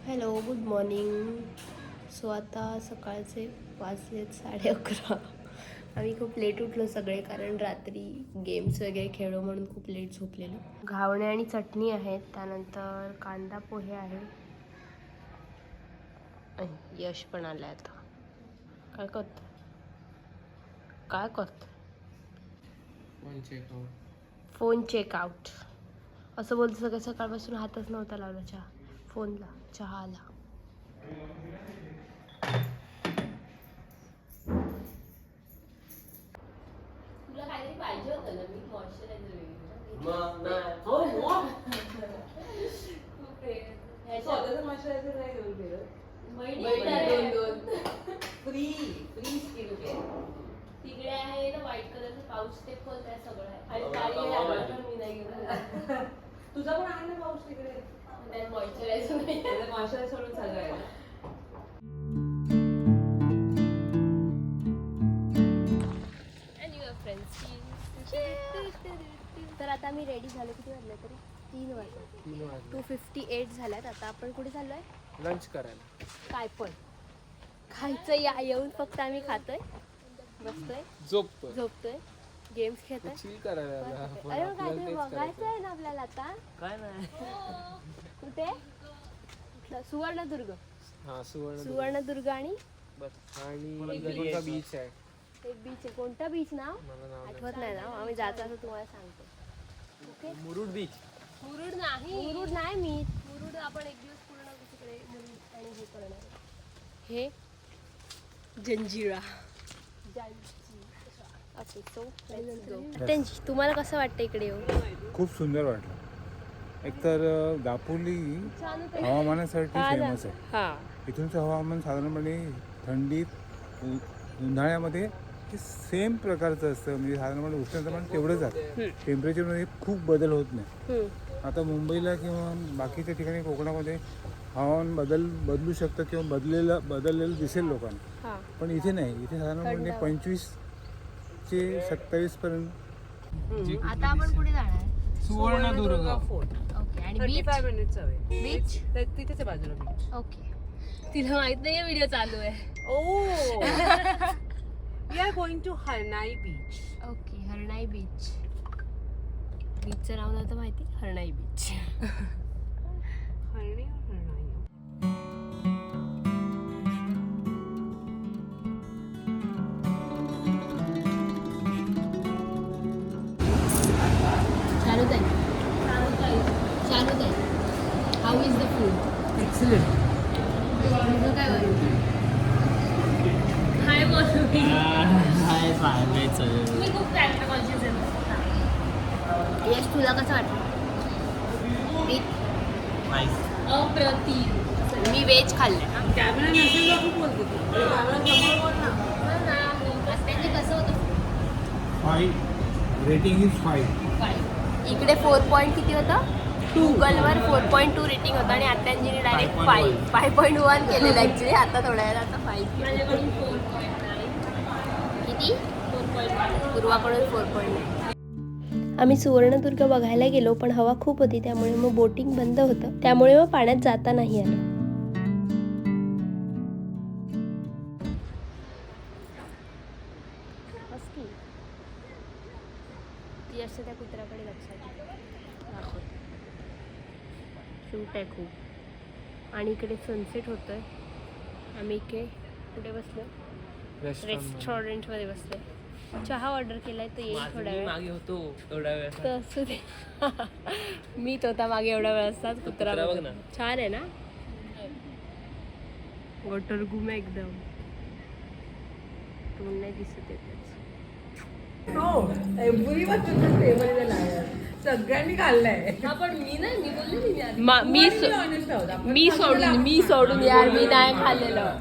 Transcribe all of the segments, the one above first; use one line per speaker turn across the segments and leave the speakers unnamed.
Hello, good morning. So आता सकाळचे वाजलेत 11:30. आम्ही खूप लेट उठलो सगळे, कारण रात्री गेम्स वगैरे खेळलो म्हणून खूप लेट झोपलेलो. घावणे आणि चटणी आहेत, त्यानंतर कांदा पोहे आहे. यश पण आलाय आता. काय करत फोन चेकआउट असं बोलतो. सगळं सकाळपासून हातच नव्हता लावला फोनला, चहाला. तुला काहीतरी पाहिजे होतं ना, मी मॉइश्चरायझर तिकडे आहे ना व्हाईट कलरचं पाऊच, ते खोल, त्या सगळं आहे. आणि मी नाही घेतलं.
तुझा पण आहे ना पाऊस तिकडे,
त्यात मॉइश्चरायझर नाही,
मॉइश्चरायझर सोडून सगळं आहे.
तर आता मी रेडी झालो. किती वाजले तरी? 3 वाजले. 2:58 झाल्यात. आता आपण कुठे चाललोय?
लंच करायला.
काय पण खायचं या येऊन, फक्त आम्ही खातोय, बसतोय, झोपतोय, गेम्स खेळतोय,
चिल करायला.
अरे मग काहीतरी बघायचं आहे ना आपल्याला आता.
काय नाही.
कुठे? सुवर्णदुर्ग.
हा,
सुवर्णदुर्ग आणि
बीच आहे.
एक बीच आहे. कोणता बीच नाव आठवत नाही ना, आम्ही जायचं असं तुम्हाला सांगतो. Okay,
Murud beach.
मुरुड नाही मी मुरुड आपण एक दिवस पूर्ण तिकडे मुरुड आणि हे करणार. हे जंजिरा. ओके, सो त्यांची तुम्हाला कसं वाटतं इकडे येऊन?
खूप सुंदर वाटलं. एकतर दापोली हवामानासाठी फेमस आहे.
हां,
इथूनचं हवामान साधारणपणे थंडीत, उन्हाळ्यामध्ये सेम प्रकारचं असतं. म्हणजे साधारणपणे उष्णतामान तेवढंच आहे. टेम्परेचरमध्ये खूप बदल होत नाही. आता मुंबईला किंवा बाकीच्या ठिकाणी कोकणामध्ये हवामान बदलू शकतं किंवा बदललेलं दिसेल लोकांना, पण इथे नाही. इथे साधारणपणे 25 ते 27 पर्यंत.
आता आपण कुठे जाणार आहे?
सुवर्णदुर्ग.
ओके, आणि
35 मिनिट्स अवे.
बीच
तिथेच आहे बाजूला बीच.
ओके, तिला माहित नाही व्हिडिओ चालू आहे.
We are going to Harnai beach.
Okay, Harnai beach. बीचचं नाव नव्हतं माहिती, हरणाई बीच.
हरणी और हरनाई.
चालू आहे. How is the food?
Excellent.
तुझं काय वाटतं? हाय बोलू मी. मी खूप फॅक्ट कॉन्शियस आहे. यश, तुला कसं वाटतं? अप्रतिम. मी व्हेज खाल्लं.
कॅमेरा नसेल तर खूप बोलते तू. कॅमेरा समोर बोल ना.
त्यांनी कसं होतं?
5 रेटिंग इज 5.
इकडे 4 पॉईंट किती होतं? गुगलवर 4.2 रेटिंग होतं आणि आत्यांजीने डायरेक्ट 5.1 केलेलं ॲक्च्युली. आता थोड्या वेळा आता 5. माझ्याकडून 4.9. किती? 4.9. पूर्वाकडून 4.9. आम्ही सुवर्णदुर्ग बघायला गेलो, पण हवा खूप होती, त्यामुळे मग बोटिंग बंद होतं. त्यामुळे मग पाण्यात जाता नाही आलं. ती असते त्या कुत्र्याकडे लक्षात दाखवते. शूट आहे खूप. आणि इकडे सनसेट होतोय. आम्ही इकडे कुठे बसलो? रेस्टॉरंटमध्ये बसलोय. चहा ऑर्डर केलाय, तर येईल थोड्या वेळ.
मागे होतो थोड्या वेळ.
तर असू दे. मी तो होता मागे एवढा वेळ असतात. कुत्रा बघ ना, छान आहे ना. वॉटर गुम एकदम. तोंड नाही दिसत येत.
सगळ्यांनी खाल्लंय.
पण मी नाही, मी बोलले मी सोडून यार, मी नाही खाल्लेलं.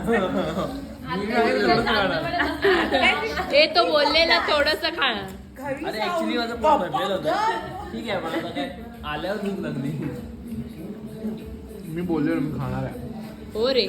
ते तो बोललेला थोडस खाणं.
अरे ऍक्च्युली माझं पोट भरलेलं होतं. ठीक आहे, मला काय आल्यावर भूक लागली.
मी बोललो मी खाणार आहे.
हो रे.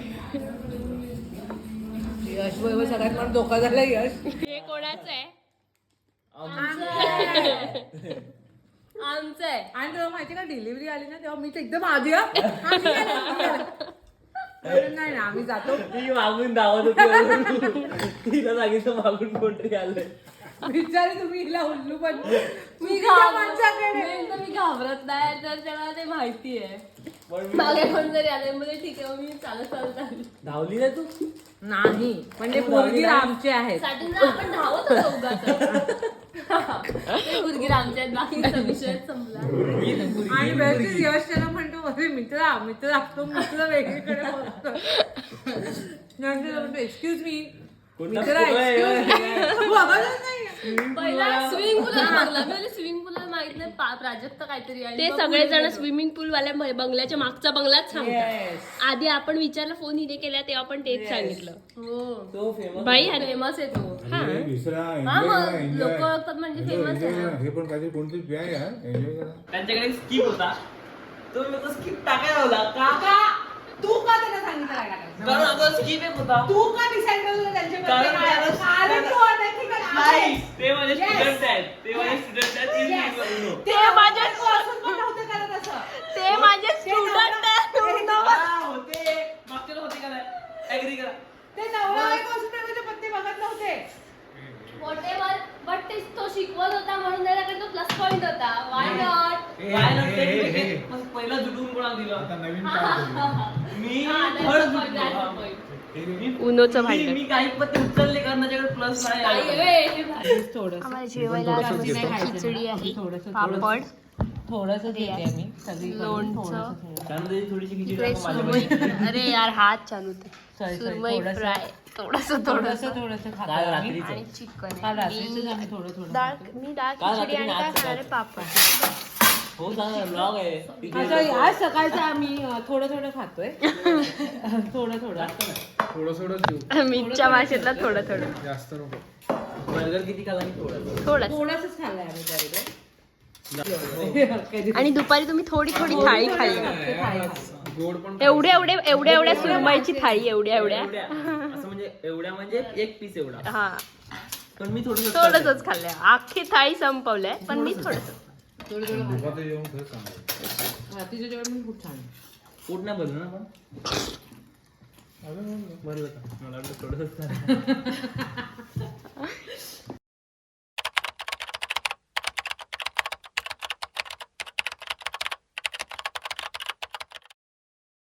यश बरोबर सगळ्यात मला धोका झाला. यश
हे कोणाचं आहे? आमचं आहे.
आणि तेव्हा माहिती का डिलिव्हरी आली ना तेव्हा मी तर एकदम आधी हा, मी गेले. नाही ना आम्ही जातो.
ती मागून धावत होती. तिला सांगितलं मागून कोणतरी आलंय.
विचारे तुम्ही हिला उल्लू पण
मी
माणसाकडे
घाबरत नाही तर त्याला ते माहिती आहे.
पण
मागे कोण जरी आले म्हणजे ठीक आहे मी चालत आली.
धावली ना तू.
नाही म्हणजे पोरगी आमचे आहेत.
स्टार्टिंगला आपण धावत होतो उगाच. ते मुलगी आमच्या आहेत, बाकीचा विषय संपला.
आणि व्यवस्थित यश त्याला म्हणतो अरे मित्रा मित्र तो मित्र वेगळीकडे बघतो. नंतर म्हणतो एक्सक्यूज मी
कोणता
मित्रा
पोरं आहे?
एक्सक्यूज बघायलाच नाही.
पहिला स्विमिंग पूल मागला मी स्विमिंग पूल माहित नाही प्राजक्त काहीतरी ते सगळेजण स्विमिंग पूल वाल्या बंगल्याच्या मागचा बंगलाच सांगतात. आधी आपण विचारलं फोन हिने केला तेव्हा पण तेच सांगितलं.
तो फेमस
बाई फेमस आहे तो.
दुसरा
हा मग लोक ओळखतात म्हणजे फेमस आहे ना.
हे पण काहीतरी कोणतरी प्या यार एन्जॉय करा.
त्यांच्याकडे स्किप होता. तो मी तो स्किप टाकायला लावला.
काका तू का त्यांना सांगितलं काय टाकायचं?
कारण आता स्किप एक होता.
तू का डिसाईड केलं त्यांचे
कारण
कारण तू अनैतिक आहे.
नाही, ते माझे स्टुडंट आहेत. ते माझे स्टुडंट आहेत.
ते माझ्या असून पण नव्हते करत असं.
ते माझे स्टुडंट
होते मागच्या होते का नाही ऍग्री करा.
ते नवरा बायको असून त्याचे पत्ते बघत नव्हते.
व्हॉटेवर बट ते तो शिकवत होता म्हणून त्याच्याकडे तो प्लस पॉइंट होता. Why not.
काय नसते पहिला जुटून कोणाला दिलं.
आता नवीन काय करू?
मी थर्ड
उनोचं
मी काही पत्ते उचलले कारण त्याच्याकडे प्लस नाही.
थोडंसं
आम्हाला जेवायला खिचडी आहे, पापड,
थोडंसं देते मी सगळी
लोणचं,
त्यामध्ये थोडीशी खिचडी
इकडे
टाकून
सुरमई.
माझ्याकडे.
अरे यार हात चालू ते
Sorry,
सुरमई
थोडंसं.
फ्राय थोडंसं
थोडंसं खातो
काल
आम्ही.
रात्रीचं.
आणि चिकन
काल रात्रीचं आम्ही थोडं
डाळ. मी डाळ
काल
खिचडी आणि
रात्री
काय
आज
खाणार आहे?
सकाळी.
पापड.
हो चांगला ब्लॉग आहे तिथे
असं आज सकाळचं आम्ही थोडं खातोय. थोडं
थोडं देऊ
मीठच्या भाषेतला थोडं थोडं
जास्त नको.
बर्गर किती खाला मी थोडं
थोडं.
थोडंसंच खाल्लंय आम्ही त्यावेळेला.
आणि दुपारी तुम्ही थोडी थोडी थाळी खाल्ली.
गोड पण
एवढ्या सुरमईची थाळी एवढ्या
असं म्हणजे एवढ्या म्हणजे एक पीस एवढा.
हा
पण मी थोडंसं
थोडंसंच खाल्लंय. अख्खी थाळी संपवलंय पण मी थोडस.
दुपारचं जेवण खरंच चांगलं.
रात्रीचं जेवण पण खूप छान आहे.
पोट नाही भरलं ना पण
अजून
भरलं का मला वाटलं थोडंसंच खाल्लं.